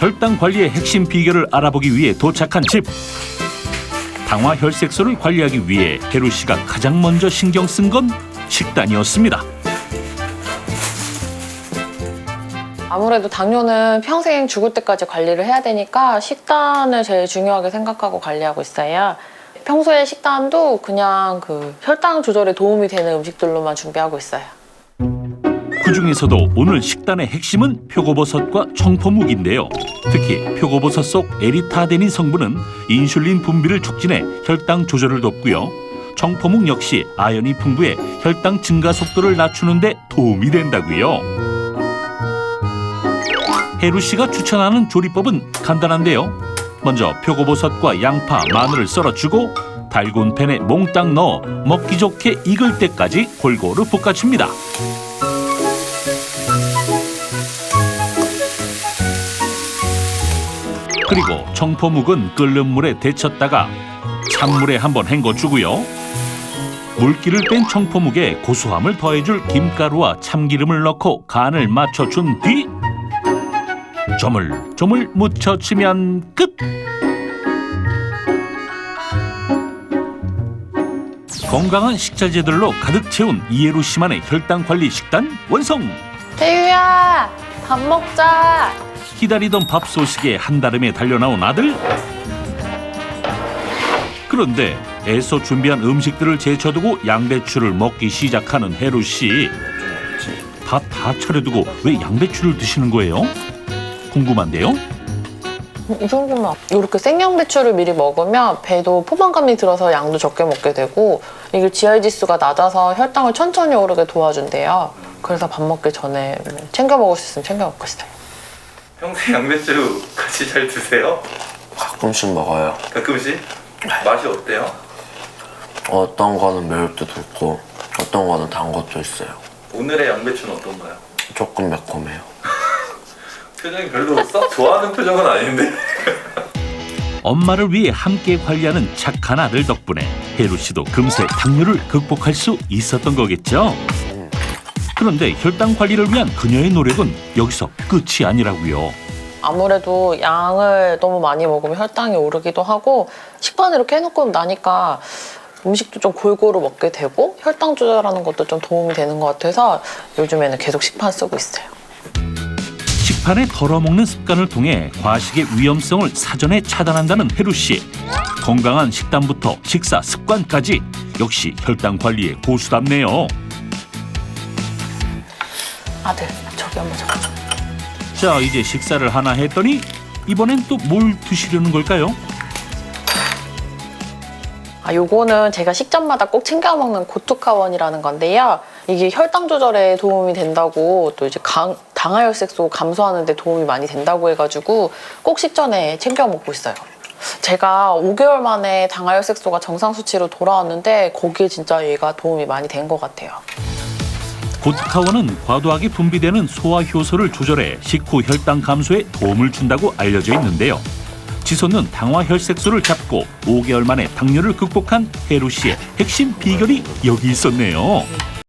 혈당 관리의 핵심 비결을 알아보기 위해 도착한 집. 당화 혈색소를 관리하기 위해 혜루 씨가 가장 먼저 신경 쓴 건 식단이었습니다. 아무래도 당뇨는 평생 죽을 때까지 관리를 해야 되니까 식단을 제일 중요하게 생각하고 관리하고 있어요. 평소에 식단도 그냥 혈당 조절에 도움이 되는 음식들로만 준비하고 있어요. 그중에서도 오늘 식단의 핵심은 표고버섯과 청포묵인데요. 특히 표고버섯 속 에리타데닌 성분은 인슐린 분비를 촉진해 혈당 조절을 돕고요. 청포묵 역시 아연이 풍부해 혈당 증가 속도를 낮추는 데 도움이 된다고요. 혜루 씨가 추천하는 조리법은 간단한데요. 먼저 표고버섯과 양파, 마늘을 썰어주고 달군 팬에 몽땅 넣어 먹기 좋게 익을 때까지 골고루 볶아줍니다. 그리고 청포묵은 끓는 물에 데쳤다가 찬물에 한번 헹궈주고요. 물기를 뺀 청포묵에 고소함을 더해줄 김가루와 참기름을 넣고 간을 맞춰준 뒤 조물조물 무쳐치면 끝! 건강한 식자재들로 가득 채운 이혜루 씨만의 혈당 관리 식단 완성! 혜유야, 밥 먹자. 기다리던 밥소식에 한달음에 달려나온 아들. 그런데 애써 준비한 음식들을 제쳐두고 양배추를 먹기 시작하는 혜루 씨. 밥 다 차려두고 왜 양배추를 드시는 거예요? 궁금한데요? 이 정도면 이렇게 생양배추를 미리 먹으면 배도 포만감이 들어서 양도 적게 먹게 되고 이게 GI 지수가 낮아서 혈당을 천천히 오르게 도와준대요. 그래서 밥 먹기 전에 챙겨 먹을 수 있으면 챙겨 먹고 있어요. 평소에 양배추 같이 잘 드세요? 가끔씩 먹어요. 가끔씩? 맛이 어때요? 어떤 거는 매울 때도 있고 어떤 거는 단 것도 있어요. 오늘의 양배추는 어떤가요? 조금 매콤해요. 표정이 별로 썩 좋아하는 표정은 아닌데? 엄마를 위해 함께 관리하는 착한 아들 덕분에 혜루 씨도 금세 당뇨를 극복할 수 있었던 거겠죠? 그런데 혈당 관리를 위한 그녀의 노력은 여기서 끝이 아니라고요. 아무래도 양을 너무 많이 먹으면 혈당이 오르기도 하고 식단을 이렇게 해놓고 나니까 음식도 좀 골고루 먹게 되고 혈당 조절하는 것도 좀 도움이 되는 것 같아서 요즘에는 계속 식판 쓰고 있어요. 식판에 덜어먹는 습관을 통해 과식의 위험성을 사전에 차단한다는 혜루 씨. 건강한 식단부터 식사 습관까지 역시 혈당 관리에 고수답네요. 아들, 저기 한번 잡아줘. 자, 이제 식사를 하나 했더니 이번엔 또 뭘 드시려는 걸까요? 요거는 제가 식전마다 꼭 챙겨 먹는 고투카원이라는 건데요. 이게 혈당 조절에 도움이 된다고 또 이제 당화혈색소 감소하는 데 도움이 많이 된다고 해가지고 꼭 식전에 챙겨 먹고 있어요. 제가 5개월 만에 당화혈색소가 정상 수치로 돌아왔는데 거기에 진짜 얘가 도움이 많이 된 것 같아요. 고트카원은 과도하게 분비되는 소화 효소를 조절해 식후 혈당 감소에 도움을 준다고 알려져 있는데요. 지솟는 당화 혈색소를 잡고 5개월 만에 당뇨를 극복한 혜루 씨의 핵심 비결이 여기 있었네요.